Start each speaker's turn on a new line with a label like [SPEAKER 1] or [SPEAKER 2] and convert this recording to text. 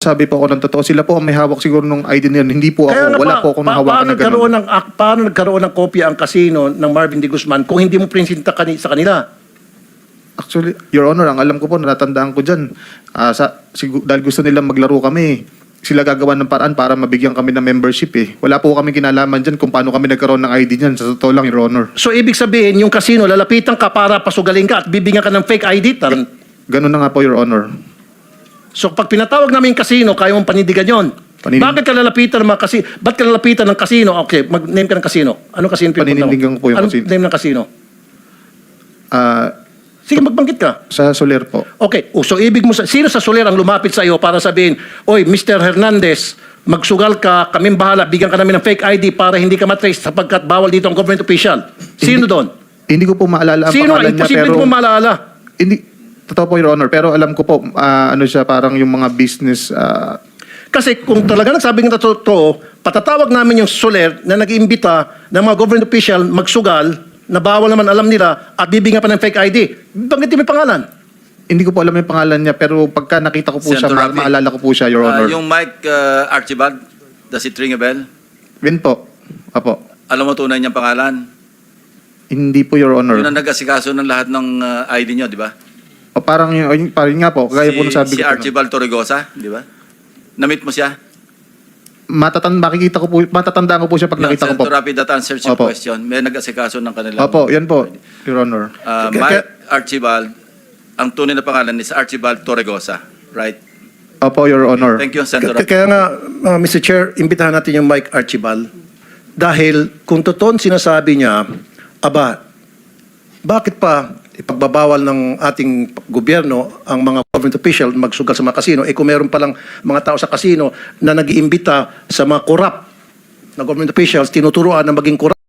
[SPEAKER 1] Sabi po ako ng totoo, sila po ang may hawak siguro nung ID na yun. Hindi po ako, wala po akong nahawakan na gano'n.
[SPEAKER 2] Paano nagkaroon ng kopya ang kasino ng Marvin D. Guzman kung hindi mo prinsinta sa kanila?
[SPEAKER 1] Actually, Your Honor, ang alam ko po, natatandaan ko dyan, dahil gusto nilang maglaro kami, sila gagawa ng paraan para mabigyan kami ng membership eh. Wala po kami kinalaman dyan kung paano kami nagkaroon ng ID dyan. Sa totoo lang, Your Honor.
[SPEAKER 2] So, ibig sabihin, yung kasino, lalapitan ka para pasugaling ka at bibigyan ka ng fake ID?
[SPEAKER 1] Ganun na nga po, Your Honor.
[SPEAKER 2] So, pag pinatawag namin yung kasino, kaya mong panindigan yun. Bakit ka lalapitan ng mga kasino? Ba't ka lalapitan ng kasino? Okay, mag-name ka ng kasino. Anong kasino pinupunta mo?
[SPEAKER 1] Paninindigan ko po yung
[SPEAKER 2] Anong
[SPEAKER 1] kasino.
[SPEAKER 2] name ng kasino? Sige, magbanggit ka.
[SPEAKER 1] Sa Soler po.
[SPEAKER 2] Okay, so ibig mo, sino sa Soler ang lumapit sa iyo para sabihin, oy, Mr. Hernandez, magsugal ka, kaming bahala, bigyan ka namin ng fake ID para hindi ka matrace sapagkat bawal dito ang government official. Sino doon?
[SPEAKER 1] Hindi ko po maalala ang
[SPEAKER 2] Sino?
[SPEAKER 1] pangalan niya,
[SPEAKER 2] Imposible
[SPEAKER 1] pero...
[SPEAKER 2] mo maalala.
[SPEAKER 1] Hindi, totoo po, Your Honor. Pero alam ko po, ano siya, parang yung mga business...
[SPEAKER 2] Kasi kung talaga nagsabi ng totoo, patatawag namin yung Soler na nag-iimbita ng mga government official magsugal na bawal naman alam nila at bibigyan pa ng fake ID. Banggitin mo yung pangalan.
[SPEAKER 1] Hindi ko po alam yung pangalan niya, pero pagka nakita ko po siya,
[SPEAKER 3] Senator Rafi,
[SPEAKER 1] maalala ko po siya, Your Honor.
[SPEAKER 3] Yung Mike Archibald, does it ring a bell?
[SPEAKER 1] Win po. Apo.
[SPEAKER 3] Alam mo tunay niyang pangalan?
[SPEAKER 1] Hindi po, Your Honor.
[SPEAKER 3] Yun ang nag-asikaso ng lahat ng ID niyo, di ba?
[SPEAKER 1] O parang nga po, gaya po sabi
[SPEAKER 3] Si
[SPEAKER 1] ko.
[SPEAKER 3] Archibald Torregosa, di ba? Na-meet mo siya?
[SPEAKER 1] Matatandaan ko po siya pag nakita ko po.
[SPEAKER 3] Senator Rafi, that answers your
[SPEAKER 1] Opo.
[SPEAKER 3] question. May nag-asikaso ng kanilang...
[SPEAKER 1] Opo, yan po, Your Honor.
[SPEAKER 3] Mike Archibald, ang tunay na pangalan is Archibald Torregosa, right?
[SPEAKER 1] Opo, Your Honor.
[SPEAKER 3] Thank you, Senator Rafi.
[SPEAKER 2] Kaya nga, Mr. Chair, imbitahan natin yung Mike Archibald. Dahil kung totoo sinasabi niya, bakit pa ipagbabawal ng ating gobyerno ang mga government official magsugal sa mga kasino? Kung meron palang mga tao sa kasino na nag-iimbita sa mga corrupt na government officials, tinuturuan na maging corrupt